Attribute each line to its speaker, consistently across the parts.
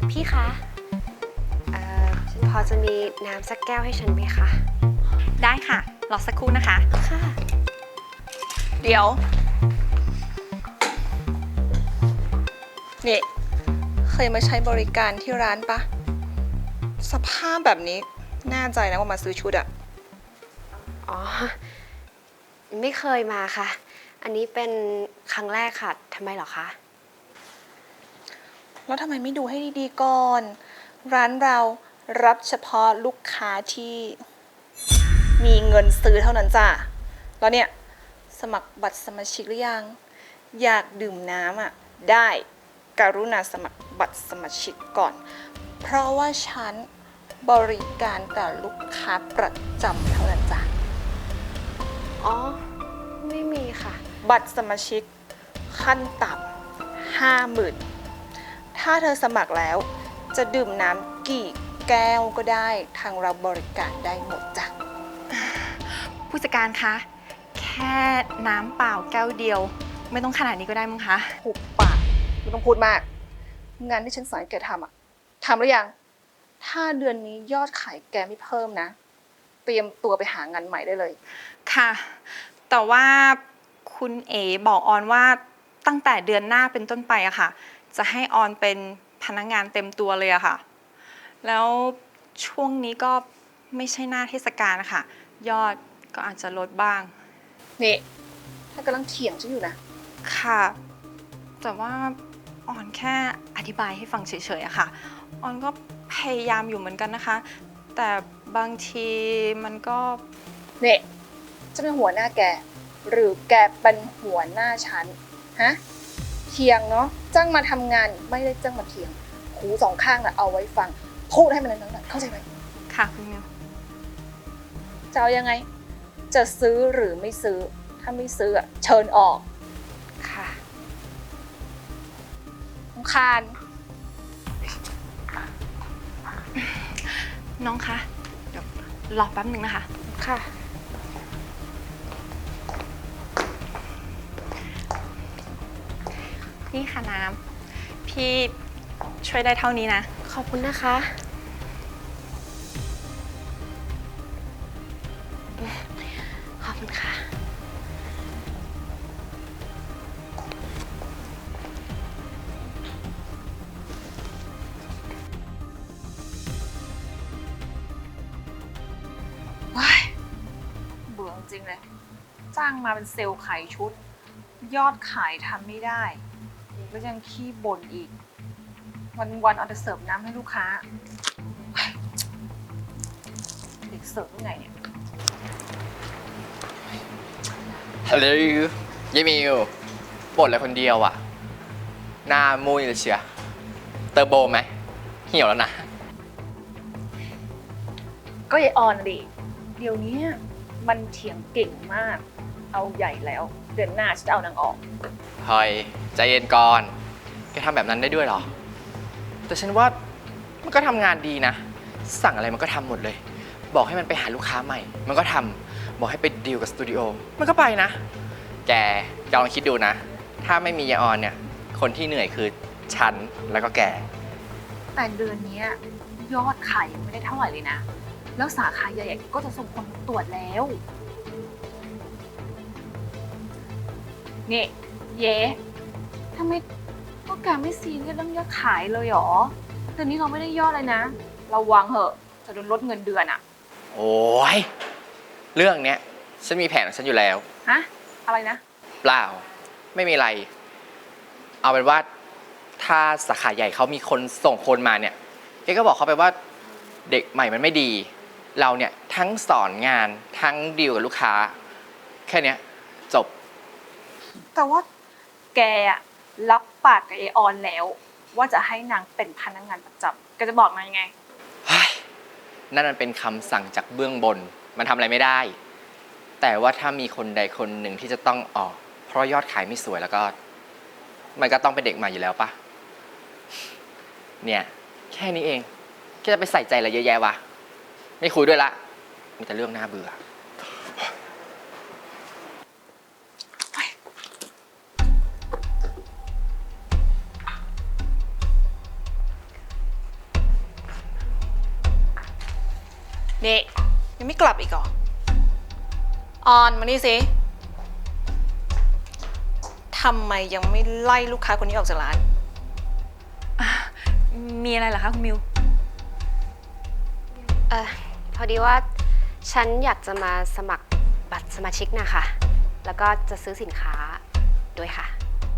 Speaker 1: พี่คะพอจะมีน้ำสักแก้วให้ฉันไหมคะ
Speaker 2: ได้ค่ะ รอสักครู่นะคะ
Speaker 1: ค่ะ
Speaker 2: เดี๋ยว นี่ เคยมาใช้บริการที่ร้านปะ สภาพแบบนี้แน่ใจนะว่ามาซื้อชุดอะ
Speaker 1: อ๋อ ไม่เคยมาค่ะ อันนี้เป็นครั้งแรกค่ะ ทำไมเหรอคะ
Speaker 2: แล้วทำไมไม่ดูให้ดีๆก่อน ร้านเรารับเฉพาะลูกค้าที่มีเงินซื้อเท่านั้นจ้ะ แล้วเนี่ย สมัครบัตรสมาชิกหรือยัง อยากดื่มน้ำอะได้กรุณาสมัครบัตรสมาชิกก่อน เพราะว่าฉันบริการแต่ลูกค้าประจำเท่านั้นจ้ะ
Speaker 1: อ๋อ ไม่มีค่ะ
Speaker 2: บัตรสมาชิกขั้นต่ำ50,000 ถ้าเธอสมัครแล้วจะดื่มน้ำกี่แก้วก็ได้ทางเราบริการได้หมดจ้ะ
Speaker 3: ผู้จัดการคะ แค่น้ำเปล่าแก้วเดียว ไม่ต้องขนาดนี้ก็ได้มั้งคะ
Speaker 2: หุบปากไม่ต้องพูดมาก งานที่ฉันสอนแกทำอะทำหรือยัง ถ้าเดือนนี้ยอดขายแกไม่เพิ่มนะ เตรียมตัวไปหางานใหม่ได้เลย
Speaker 3: ค่ะ แต่ว่าคุณเอ๋บอกออนว่าตั้งแต่เดือนหน้าเป็นต้นไปอะค่ะ จะให้ออนเป็นพนักงานเต็มตัวเลยอะค่ะ แล้วช่วงนี้ก็ไม่ใช่หน้าเทศกาลนะคะยอดก็อาจจะลดบ้าง
Speaker 2: นี่ถ้ากำลังเถียงฉันอยู่นะ
Speaker 3: ค่ะ แต่ว่าออนแค่อธิบายให้ฟังเฉยๆอะค่ะ ออนก็พยายามอยู่เหมือนกันนะคะ แต่บางทีมันก็
Speaker 2: นี่จะเป็นหัวหน้าแก หรือแกเป็นหัวหน้าฉัน ฮะ เถียงเนาะ จ้างมาทำงานไม่ได้จ้างมาเถียง หูสองข้างน่ะเอาไว้ฟัง พูดให้มันนั้นๆเข้าใจไหม
Speaker 3: ค่ะคุณมิว
Speaker 2: จะเอายังไง จะซื้อหรือไม่ซื้อ ถ้าไม่ซื้ออะเชิญออก
Speaker 1: ค่ะ
Speaker 2: รำคาญ
Speaker 3: น้องคะ เดี๋ยวรอแป๊บหนึ่งนะคะ
Speaker 1: ค่ะ
Speaker 3: นี่ค่ะน้ำ พี่ช่วยได้เท่านี้นะ
Speaker 1: ขอบคุณนะคะ ขอบคุณค่ะ
Speaker 2: ว้ายเบื่อจริงเลย จ้างมาเป็นเซลล์ขายชุด ยอดขายทำไม่ได้ แล้วยังขี้บ่นอีก วันๆเอาแต่เสิร์ฟน้ำให้ลูกค้าเฮ้ยเด็กเสิร์ฟยังไงเนี่ย
Speaker 4: ฮัลโหลยายมิวบ่นอะไรคนเดียวอ่ะ หน้ามุ้ยเลยเชียเตอร์โบไหมเหี่ยวแล้วนะ
Speaker 2: ก็ยายออนดิ เดี๋ยวนี้มันเถียงเก่งมาก เอาใหญ่แล้ว เดือนหน้าฉันจะเอานางออก
Speaker 4: เฮ้ยใจเย็นก่อน แกทำแบบนั้นได้ด้วยเหรอ แต่ฉันว่ามันก็ทำงานดีนะ สั่งอะไรมันก็ทำหมดเลย บอกให้มันไปหาลูกค้าใหม่ มันก็ทำบอกให้ไปดีลกับสตูดิโอ มันก็ไปนะ แกลองคิดดูนะ ถ้าไม่มียายออนเนี่ย คนที่เหนื่อยคือฉันแล้วก็แก
Speaker 2: แต่เดือนนี้ยอดขายยังไม่ได้เท่าไหร่เลยนะ แล้วสาขาใหญ่ๆก็จะส่งคนมาตรวจแล้ว นี่เย้ทำไมพวกแกไม่ซีเรียสเรื่องยอดขายเลยหรอเดือนนี้เราไม่ได้ยอดเลยนะระวังเหอะจะโดนลดเงินเดือนอะ
Speaker 4: โอ้ยเรื่องเนี้ยฉันมีแผนของฉันอยู่แล้ว
Speaker 2: ฮะ อะไรนะ
Speaker 4: เปล่า ไม่มีอะไร เอาเป็นว่าถ้าสาขาใหญ่เขามีคนส่งคนมาเนี่ยแกก็บอกเขาไปว่าเด็กใหม่มันไม่ดี เราเนี่ยทั้งสอนงานทั้งดีลกับลูกค้า แค่เนี้ยจบ
Speaker 2: แต่ว่าแกอะรับปากกับไอออนแล้ว ว่าจะให้นางเป็นพนักงานประจำแกจะบอกนางยังไง
Speaker 4: เฮ้ยนั่นมันเป็นคำสั่งจากเบื้องบน มันทำอะไรไม่ได้ แต่ว่าถ้ามีคนใดคนหนึ่งที่จะต้องออก เพราะยอดขายไม่สวยแล้วก็ มันก็ต้องเป็นเด็กใหม่อยู่แล้วปะเนี่ย แค่นี้เองแค่จะไปใส่ใจอะไรเยอะแยะวะ ไม่คุยด้วยละ มีแต่เรื่องน่าเบื่อ
Speaker 2: นี่ยังไม่กลับอีกเหรอ ออนมานี่สิทำไมยังไม่ไล่ลูกค้าคนนี้ออกจากร้าน
Speaker 3: มีอะไรเหรอคะคุณมิว
Speaker 1: พอดีว่าฉันอยากจะมาสมัครบัตรสมาชิกนะคะ แล้วก็จะซื้อสินค้าด้วยค่ะ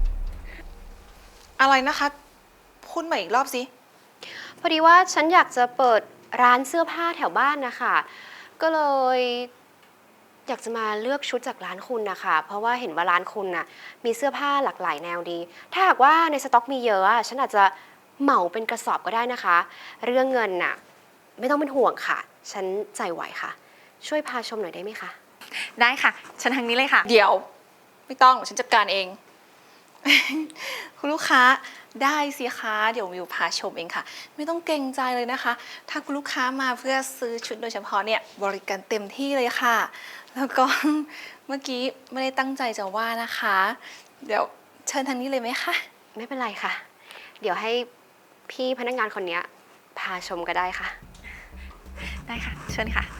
Speaker 2: อะไรนะคะ พูดใหม่อีกรอบสิ
Speaker 1: พอดีว่าฉันอยากจะเปิดร้านเสื้อผ้าแถวบ้านนะคะ ก็เลยอยากจะมาเลือกชุดจากร้านคุณนะคะ เพราะว่าเห็นว่าร้านคุณน่ะมีเสื้อผ้าหลากหลายแนวดี ถ้าหากว่าในสต็อกมีเยอะฉันอาจจะเหมาเป็นกระสอบก็ได้นะคะ เรื่องเงินน่ะไม่ต้องเป็นห่วงค่ะ ฉันจ่ายไหวค่ะ ช่วยพาชมหน่อยได้ไหมคะ
Speaker 3: ได้ค่ะฉันทางนี้เลยค่ะ
Speaker 2: เดี๋ยวไม่ต้องฉันจัดการเอง คุณลูกค้าได้สิคะเดี๋ยววิวพาชมเองค่ะ ไม่ต้องเกรงใจเลยนะคะ ถ้าคุณลูกค้ามาเพื่อซื้อชุดโดยเฉพาะเนี่ยบริการเต็มที่เลยค่ะ แล้วก็ เมื่อกี้ไม่ได้ตั้งใจจะว่านะคะ เดี๋ยวเชิญทางนี้เลยไหมคะ
Speaker 1: ไม่เป็นไรค่ะ เดี๋ยวให้พี่พนักงานคนนี้พาชมก็ได้ค่ะ
Speaker 3: ได้ค่ะ เชิญค่ะ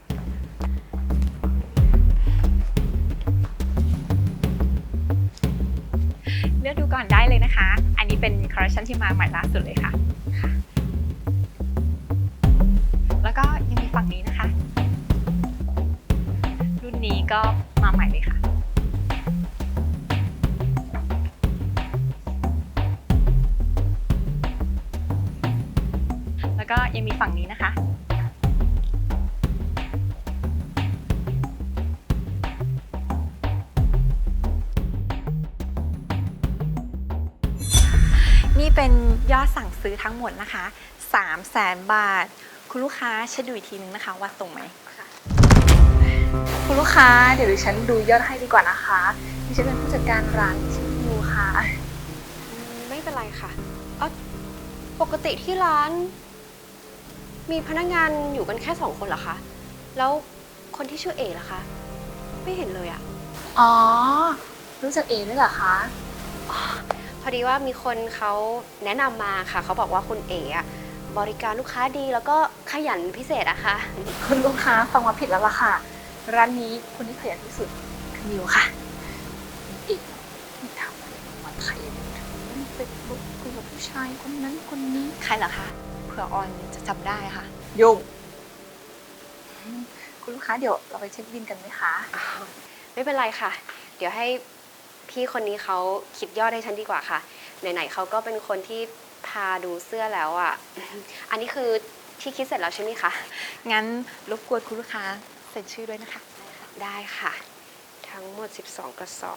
Speaker 3: เลือกดูก่อนได้เลยนะคะ อันนี้เป็นคอลเลคชันที่มาใหม่ล่าสุดเลยค่ะ แล้วก็ยังมีฝั่งนี้นะคะ รุ่นนี้ก็มาใหม่เลยค่ะ แล้วก็ยังมีฝั่งนี้นะคะ นี่เป็นยอดสั่งซื้อทั้งหมดนะคะ 300,000 บาท คุณลูกค้าเช็คดูอีกทีนึงนะคะว่าตรงไหม
Speaker 2: คุณลูกค้าเดี๋ยวดิฉันดูยอดให้ดีกว่านะคะดิฉันเป็นผู้จัดการร้านชื่อยูค่ะ
Speaker 1: ไม่เป็นไรค่ะปกติที่ร้าน มีพนักงานอยู่กันแค่2 คนเหรอคะ แล้วคนที่ชื่อเอ๋ล่ะคะ ไม่เห็นเลยอะ
Speaker 2: อ๋อ รู้จักเอด้วยเหรอคะ
Speaker 1: พอดีว่ามีคนเขาแนะนำมาค่ะ เขาบอกว่าคุณเอ๋อะบริการลูกค้าดีแล้วก็ขยันพิเศษอะค่ะ
Speaker 2: คุณลูกค้าฟังมาผิดแล้วล่ะค่ะ ร้านนี้คนที่ขยันที่สุดคือมิวค่ะอีกที่ทำอะไรมันขยันถึงเฟซบุ๊กคุยกับผู้ชายคนนั้นคนนี้
Speaker 3: ใครเหรอคะ เผื่อออนจะจำได้ค่ะ
Speaker 2: ยุ่งคุณลูกค้าเดี๋ยวเราไปเช็คบินกันไหมคะ
Speaker 1: ไม่เป็นไรค่ะ เดี๋ยวให้พี่คนนี้เขาคิดยอดให้ฉันดีกว่าค่ะ ไหนๆเขาก็เป็นคนที่พาดูเสื้อแล้วอ่ะ อันนี้คือที่คิดเสร็จแล้วใช่ไหมคะ
Speaker 3: งั้นรบกวนคุณลูกค้าเซ็นชื่อด้วยนะคะ
Speaker 1: ได้ค่ะ ทั้งหมด 12 กระสอบ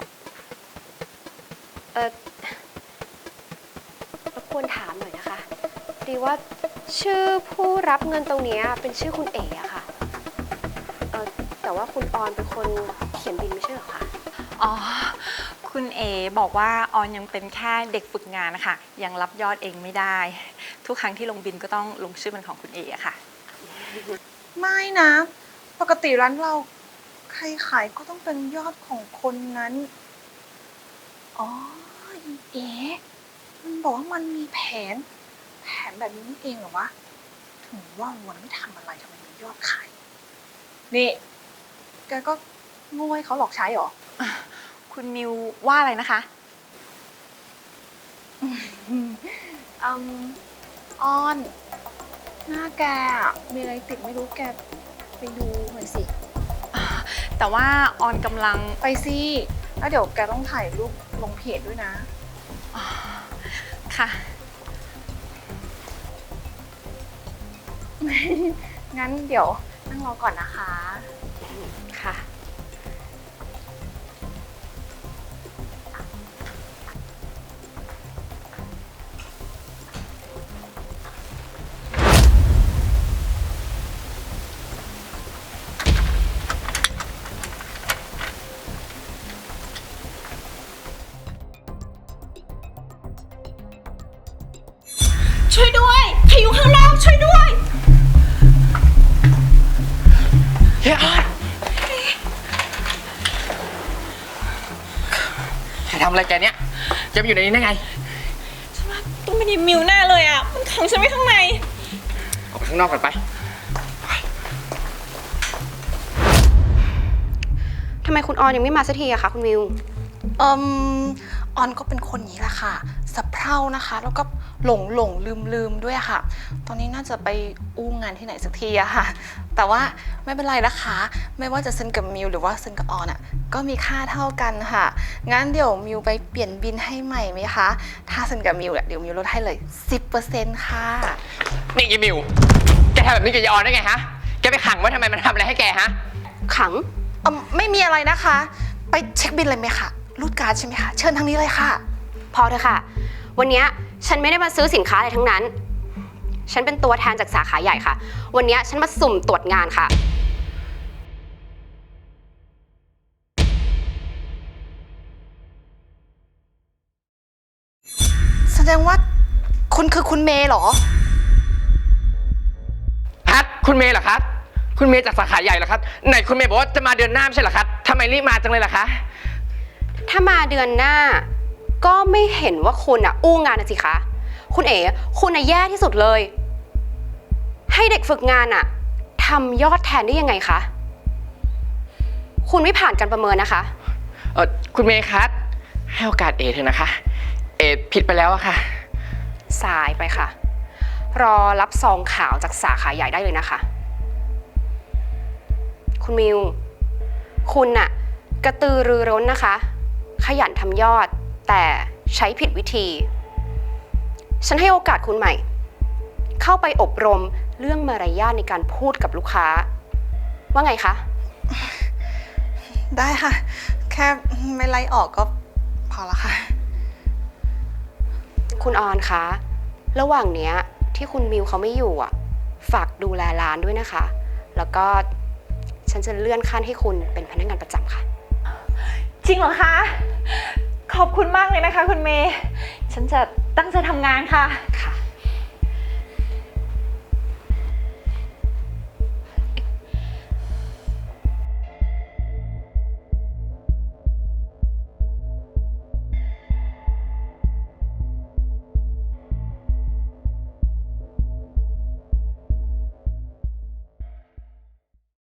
Speaker 1: รบกวนถามหน่อยนะคะดีว่าชื่อผู้รับเงินตรงเนี้ยเป็นชื่อคุณเอ๋อะค่ะ แต่ว่าคุณออนเป็นคนเขียนบินไม่ใช่เหรอคะ
Speaker 3: อ๋อ คุณเอบอกว่าออนยังเป็นแค่เด็กฝึกงานนะคะ ยังรับยอดเองไม่ได้ ทุกครั้งที่ลงบินก็ต้องลงชื่อเป็นของคุณเออะค่ะ
Speaker 2: ไม่นะ ปกติร้านเราใครขายก็ต้องเป็นยอดของคนนั้น อ๋อเอ๋มันบอกว่ามันมีแผนแบบนี้นี่เองเหรอวะ ถึงว่าวันไม่ทำอะไรทำไมมียอดขาย นี่แกก็โง่ให้เขาหลอกใช้เหรอ
Speaker 3: คุณมิวว่าอะไรนะคะ
Speaker 2: ออน หน้าแกอะมีอะไรติดไม่รู้แกไปดูหน่อยสิ
Speaker 3: แต่ว่าออนกำลัง
Speaker 2: ไปสิ แล้วเดี๋ยวแกต้องถ่ายรูปลงเพจด้วยนะ
Speaker 3: ค่ะ
Speaker 2: งั้นเดี๋ยวนั่งรอก่อนนะคะ
Speaker 1: ค่ะ
Speaker 2: ช่วยด้วยใครอยู่ข้างนอกช่วยด้วย
Speaker 4: เฮ้ยออนใครทำอะไรแกเนี่ยแกมาอยู่ในนี้ได้ไง
Speaker 3: ต้องเป็นมิวแน่เลยอ่ะ มันขังฉันไว้ข้างใน
Speaker 4: ออกไปข้างนอกก่อนไป
Speaker 1: ทำไมคุณออนยังไม่มาสักทีอะคะคุณมิว
Speaker 2: ออนก็เป็นคนนี้แหละค่ะสะเพร่านะคะ แล้วก็หลงลืมด้วยค่ะ ตอนนี้น่าจะไปอู้งานที่ไหนสักทีอะค่ะ แต่ว่าไม่เป็นไรนะคะ ไม่ว่าจะเซ็นกับมิวหรือว่าเซ็นกับออนอะก็มีค่าเท่ากันค่ะ งั้นเดี๋ยวมิวไปเปลี่ยนบินให้ใหม่ไหมคะ ถ้าเซ็นกับมิวเดี๋ยวมิวลดให้เลย 10% ค่ะ
Speaker 4: นี่ยีมิว แกทำแบบนี้กับยายออนได้ไงฮะ แกไปขังว่าทำไมมันทำอะไรให้แกฮะ
Speaker 1: ขัง
Speaker 2: ไม่มีอะไรนะคะ ไปเช็คบินเลยไหมคะรูดการ์ดใช่ไหมคะ เชิญทางนี้เลยค่ะ
Speaker 1: พอเถอะค่ะ วันเนี้ยฉันไม่ได้มาซื้อสินค้าอะไรทั้งนั้น ฉันเป็นตัวแทนจากสาขาใหญ่ค่ะ วันเนี้ยฉันมาสุ่มตรวจงานค่ะ
Speaker 2: แสดงว่าคุณคือคุณเมย์เหรอ
Speaker 4: ฮัทคุณเมย์เหรอครับ คุณเมย์จากสาขาใหญ่เหรอครับ ไหนคุณเมย์บอกว่าจะมาเดือนหน้าไม่ใช่เหรอครับทำไมรีบมาจังเลยล่ะคะ
Speaker 1: ถ้ามาเดือนหน้า ก็ไม่เห็นว่าคุณอะอู้งานนะสิคะ คุณเอ๋คุณอะแย่ที่สุดเลย ให้เด็กฝึกงานอะทำยอดแทนได้ยังไงคะ คุณไม่ผ่านการประเมินนะคะ
Speaker 4: คุณเมย์ครับให้โอกาสเอเถอะนะคะ เอผิดไปแล้วอะค่ะ
Speaker 1: สายไปค่ะ รอรับซองขาวจากสาขาใหญ่ได้เลยนะคะ คุณมิว คุณน่ะกระตือรือร้นนะคะ ขยันทำยอดแต่ใช้ผิดวิธี ฉันให้โอกาสคุณใหม่ เข้าไปอบรมเรื่องมารยาทในการพูดกับลูกค้า ว่าไงคะ
Speaker 2: ได้ค่ะ แค่ไม่ไล่ออกก็พอละค่ะ
Speaker 1: คุณออนคะ ระหว่างเนี้ยที่คุณมิวเขาไม่อยู่อ่ะ ฝากดูแลร้านด้วยนะคะ แล้วก็ฉันจะเลื่อนขั้นให้คุณเป็นพนักงานประจำค่ะ
Speaker 3: จริงเหรอคะ ขอบคุณมากเลยนะคะคุณเมย์ ฉันจะตั้งใจทำงานค่ะ
Speaker 1: ค่ะ